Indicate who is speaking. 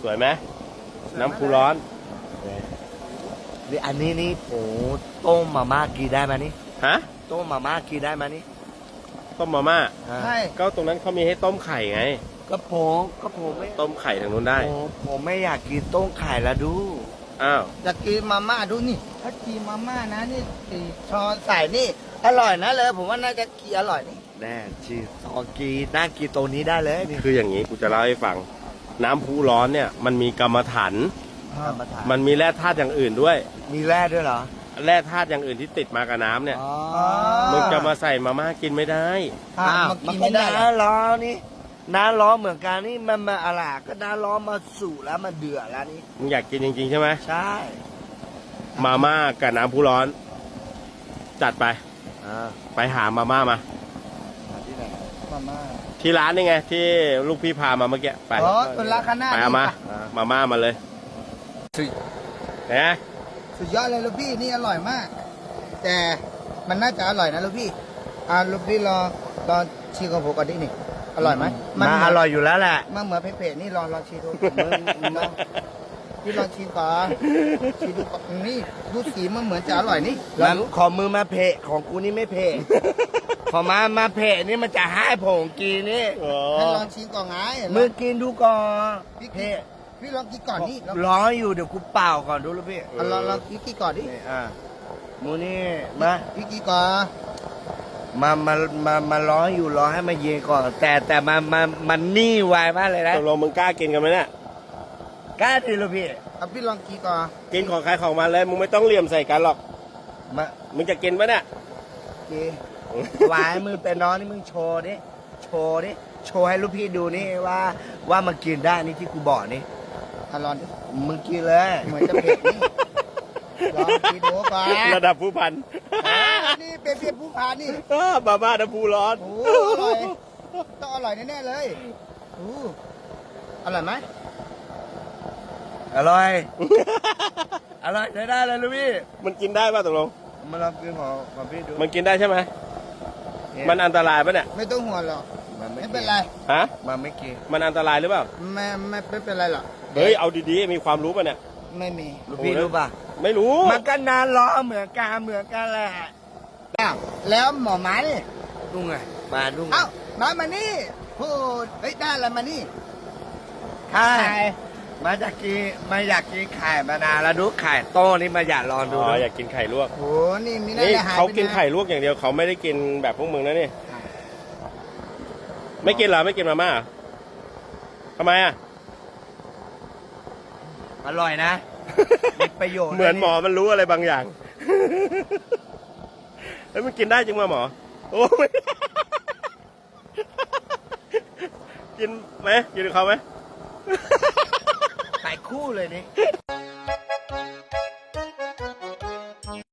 Speaker 1: สวยไหมน้ำพุร้อน
Speaker 2: นี่อันนี้นี่โอ้ต้มมาม่ากินได้ไหมนี่
Speaker 1: ฮะ
Speaker 2: ต้มมาม่ากินได้ไหมนี่
Speaker 1: ต้มมาม่า
Speaker 2: ใช่
Speaker 1: ก็ตรงนั้นเขามีให้ต้มไข่ไง
Speaker 2: ก็ผมไม่
Speaker 1: ต้มไข่ทางนู้นได้
Speaker 2: ผมไม่อยากกินต้มไข่ละดู
Speaker 1: อ้าว
Speaker 3: จะกินมาม่าดูนี่ถ้ากินมาม่านะนี่สี่ช้อนใส่นี่อร่อยนะเลยผมว่าน่าจะกินอร่อยนี่
Speaker 2: แน่ชีสอกีน่ากินตัวนี้ได้เลยนี่
Speaker 1: คืออย่างนี้กูจะเล่าให้ฟัง น้ำพุร้อนเนี่ยมันมีกรรมฐาน
Speaker 2: มาทาน
Speaker 1: มันมีแร่ธาตุอย่างอื่นด้วย
Speaker 2: มีแร่ด้วยเหรอ
Speaker 1: แร่ธาตุอย่างอื่นที่ติดมากับน้ำเนี่ย
Speaker 2: อ๋อ
Speaker 1: มึงจะมาใส่มาม่ากินไม่ได้
Speaker 3: อ้าว
Speaker 2: มั
Speaker 3: มัน น
Speaker 2: ก็
Speaker 3: กินไม่ได้
Speaker 2: น้าร้อนนี่น้าร้อนเหมือนกันนี่มันมาอะไรก็น้าร้อนมาสู่แล้วมันเดือดแล้วนี่
Speaker 1: มึงอยากกินจริงๆใช่ไหม
Speaker 2: ใช่
Speaker 1: มาม่ากับน้ำพุร้อน จัดไป
Speaker 2: อ่า
Speaker 1: ไปหามาม่ามา
Speaker 2: ที่ไหน
Speaker 3: มาม่า
Speaker 1: ที่ร้านนี่ไงที่ลูกพี่พามาเมื่อกี้ไป
Speaker 3: อ๋อเป็นราคาหน้า
Speaker 1: ไปเอามา มาม่ามาเลย
Speaker 3: สุด
Speaker 1: นะ
Speaker 3: สุดยอดเลยลูกพี่นี่อร่อยมาก แต่มันน่าจะอร่อยนะลูกพี่ลูกพี่รอชิมของผมก่อนดินี่อร่อยไหม
Speaker 2: มันอร่อยอยู่แล้วแหละ
Speaker 3: มันเหมือนเผ็ดๆนี่ลองชิมดูพี่ลองชิมก่อนชิมดูก่อนนี่ดูสีมันเหมือนจะอร่อยนี่ลอ
Speaker 2: มั
Speaker 3: ง
Speaker 2: น
Speaker 3: ดู
Speaker 2: ของมือมาเพะของกูนี่ไม่เพะ ของมาเพะนี่มันจะให้ผมกินนี่
Speaker 1: อ๋อ
Speaker 3: ให้ลองชิมก่อนไง
Speaker 2: มือกินดูก่อน
Speaker 3: พี่กิน
Speaker 2: เพะ
Speaker 3: พี่ลองกินก่อนนี่ลอง
Speaker 2: ร้อนอยู่เดี๋ยวกูเป่าก่อนดูลูกพี่
Speaker 3: ลองกินก่อนดิ
Speaker 2: นี่มูนี่มา
Speaker 3: พี่กินก่อน
Speaker 2: มาร้อนอยู่ร้อนให้มันเย็นก่อน แต่มันนี่ไวมากเลยนะ
Speaker 1: ตกลงมึงกล้ากินกันไหมเนี่ย
Speaker 2: กล้าดิลูกพี่
Speaker 3: เอาพี่ลองกินก่อน
Speaker 1: กินของใครของมันเลย มึงไม่ต้องเหลี่ยมใส่กันหรอก
Speaker 2: มา
Speaker 1: มึงจะกินปะเนี่ย
Speaker 2: กินวายมือเป็นน้องนี่มึงโชว์ดิโชว์ดิโชว์ให้ลูกพี่ดูนี่ว่ามันกินได้นี่ที่กูบอกนี่
Speaker 3: ลองดิ
Speaker 2: มึงกินเลย
Speaker 3: เหมือนจะเผ็ดนี่ลองกินดูก่อน
Speaker 1: ระดับผู้พัน
Speaker 3: นี่เป็นเพียผู้พานี่
Speaker 1: มาม่าน้ำพุร้อน
Speaker 3: โอ้อร่อยต้องอร่อยแน่ๆเลยโอ้อร่อยไหม
Speaker 2: อร่อย อร่อยใช้ได้เลยลูกพี่
Speaker 1: มันกินได้ป่ะตกลง
Speaker 2: มาลองกินของพี่ดู
Speaker 1: มันกินได้ใช่ไหม มันอันตรายปะเนี่ย
Speaker 3: ไม่ต้องห่วงหรอก
Speaker 2: มัน
Speaker 3: ไม่
Speaker 2: ไม่
Speaker 3: เป็นไร
Speaker 1: ฮะ
Speaker 2: มันไม่กิน
Speaker 1: มันอันตรายหรือเปล่า
Speaker 3: ไม่เป็นไรหรอก
Speaker 1: เฮ้ย เอาดีๆ มีความรู้ป่ะเนี่ย
Speaker 3: ไม่มี
Speaker 2: ลูกพี่รู้ป่ะ
Speaker 1: ไม่รู้
Speaker 2: มันก็นานล้อเหมือนกันแหละ
Speaker 3: อ้าวแล้วหมอหมานี่
Speaker 2: ดุ้งไงมาดุ้ง
Speaker 3: เอ้ามานี่พูดเฮ้ยได้อะไรมานี่
Speaker 2: ใช่มาจากกินมาอยากกินไข่มานานแล้วดูไข่โต้นี่มาอยากลองดู
Speaker 1: อ๋อ
Speaker 2: นะ
Speaker 1: อยากกินไข่ลวก
Speaker 3: โหนี่มีน่า
Speaker 1: นี่
Speaker 3: จะหาย
Speaker 1: เขา
Speaker 3: ไป
Speaker 1: กิน
Speaker 3: นะ
Speaker 1: ไข่ลวกอย่างเดียวเขาไม่ได้กินแบบพวกมึงนะนี่ ไม่กินเหรอ ไม่กินมาม่าเหรอทำไมอ่ะ
Speaker 2: อร่อยนะมีประโยชน์
Speaker 1: เหมือนหมอมันรู้อะไรบางอย่าง เฮ้ยมันกินได้จริงป่ะหมอ โอ้ไม่ กินไหมกินกับเขาไหม
Speaker 2: ไข่คู่เลยนี่